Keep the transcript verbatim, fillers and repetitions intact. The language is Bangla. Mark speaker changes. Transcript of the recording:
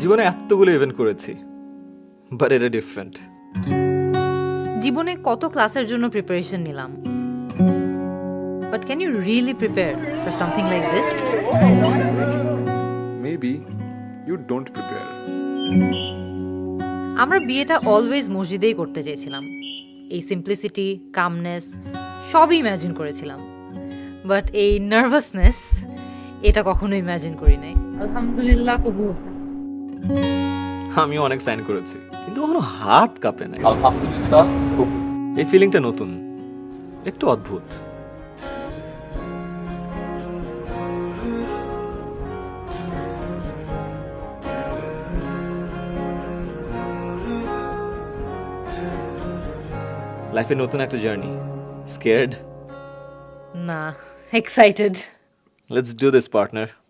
Speaker 1: জীবনে এতগুলো ইভেন্ট করেছি, বাট এটা ডিফারেন্ট।
Speaker 2: জীবনে কত ক্লাসের জন্য প্রিপারেশন নিলাম, but can you really prepare for something like this?
Speaker 3: Maybe you don't prepare.
Speaker 2: আমরা বিয়েটা অলওয়েজ মসজিদেই করতে চেয়েছিলাম। এই সিম্পলিসিটি, কামনেস সবই ইম্যাজিন করেছিলাম, বাট এই নার্ভাসনেস এটা কখনো ইম্যাজিন করি নাই। আলহামদুলিল্লাহ কবুল।
Speaker 1: আমি অনেক সাইন করেছি, কিন্তু কখনো হাত কাঁপে না।
Speaker 4: আলহামদুলিল্লাহ খুব
Speaker 1: এই ফিলিংটা নতুন, একটু অদ্ভুত। লাইফে নতুন একটা জার্নি। স্কেয়ার্ড?
Speaker 2: না, excited.
Speaker 1: Let's do this partner.